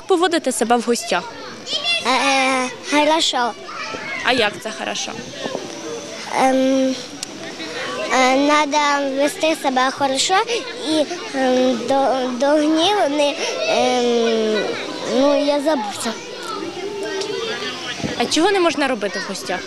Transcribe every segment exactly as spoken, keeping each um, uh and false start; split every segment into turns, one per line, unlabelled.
поводите себе в гостях?
Е, хорошо.
А як це хорошо?
Ем, е, Надо вести себе хорошо і ем, до, до гніву не, ем, ну, я забувся.
А чого не можна робити в гостях?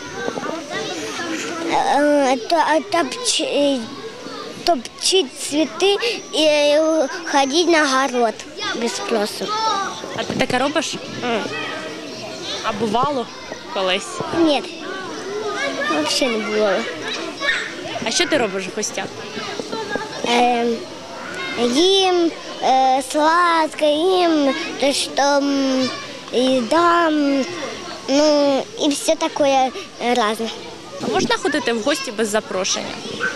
Е, то, топчи, топчить цвіти і ходити на город без спросу.
А ти таке робиш? А бувало колись?
Ні, взагалі не було.
А що ти робиш в гостях?
Е, їм е, сладко, їм то, що м, їда, м, ну і все таке різне.
А можна ходити в гості без запрошення?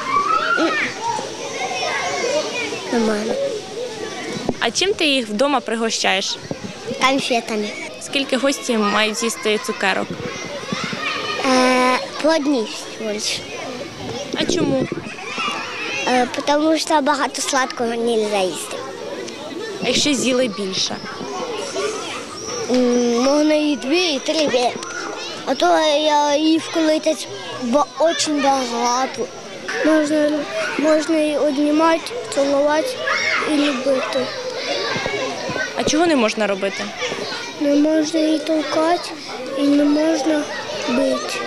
Нормально.
А чим ти їх вдома пригощаєш?
Конфетами.
Скільки гості мають з'їсти цукерок?
Е, по одній всього лиш.
А чому?
Е, тому що багато сладкого не можна їсти.
А якщо з'їли більше?
М, можна і дві, і три. А то я їв колись дуже багато. Можна, можна і обнімати, цілувати і любити.
А чого не можна робити?
Не можна і толкати, і не можна бити.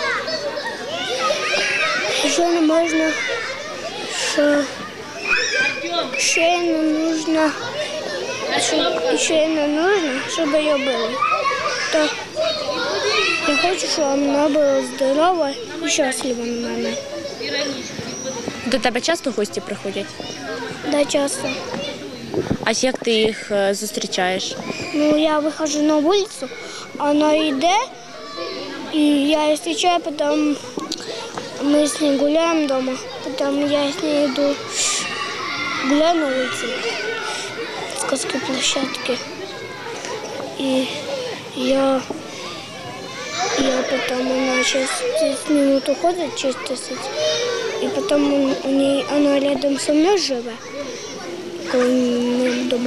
Ще не можна, що ще не нужно, щоб, ще не нужно, щоб її били. То я хочу, щоб вона була здорова і щаслива на мене.
До тебе часто гості приходять?
Да, часто.
А як ти їх е, зустрічаєш?
Ну, я выхожу на улицу, она идет, и я ее встречаю, потом мы с ней гуляем дома, потом я с ней иду гуляю на улице, с детской площадки, и я, я потом, она через десять минут уходит, через десять, и потом он, у ней, она рядом со мной живет, около моего дома.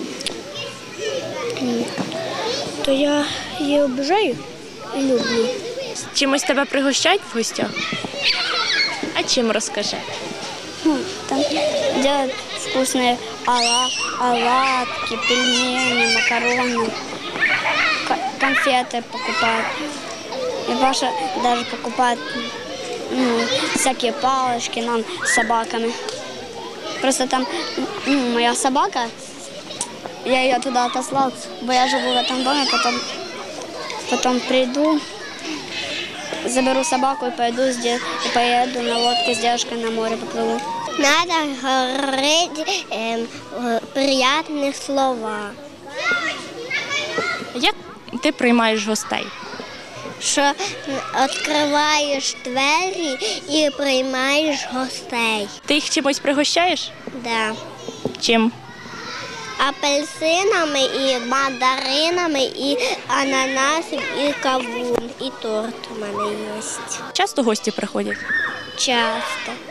То я її обожаю і люблю.
Чимось тебе пригощають в гостях? А чим розкажи?
Ну, там делают вкусные оладки, пельмени, макароны, конфеты покупают. И Паша даже покупает ну, всякие палочки нам с собаками. Просто там ну, моя собака, я ее туда отослал, бо я живу в этом доме, потом, потом приду, заберу собаку и пойду и поеду на лодке с девушкой на море поплыву. Надо говорить э, приятные слова.
Як ти приймаєш гостей?
Що відкриваєш двері і приймаєш гостей.
Ти їх чимось пригощаєш?
Да.
Чим?
Апельсинами і мандаринами, і ананасом, і кавун, і торт у мене є.
Часто гості приходять?
Часто.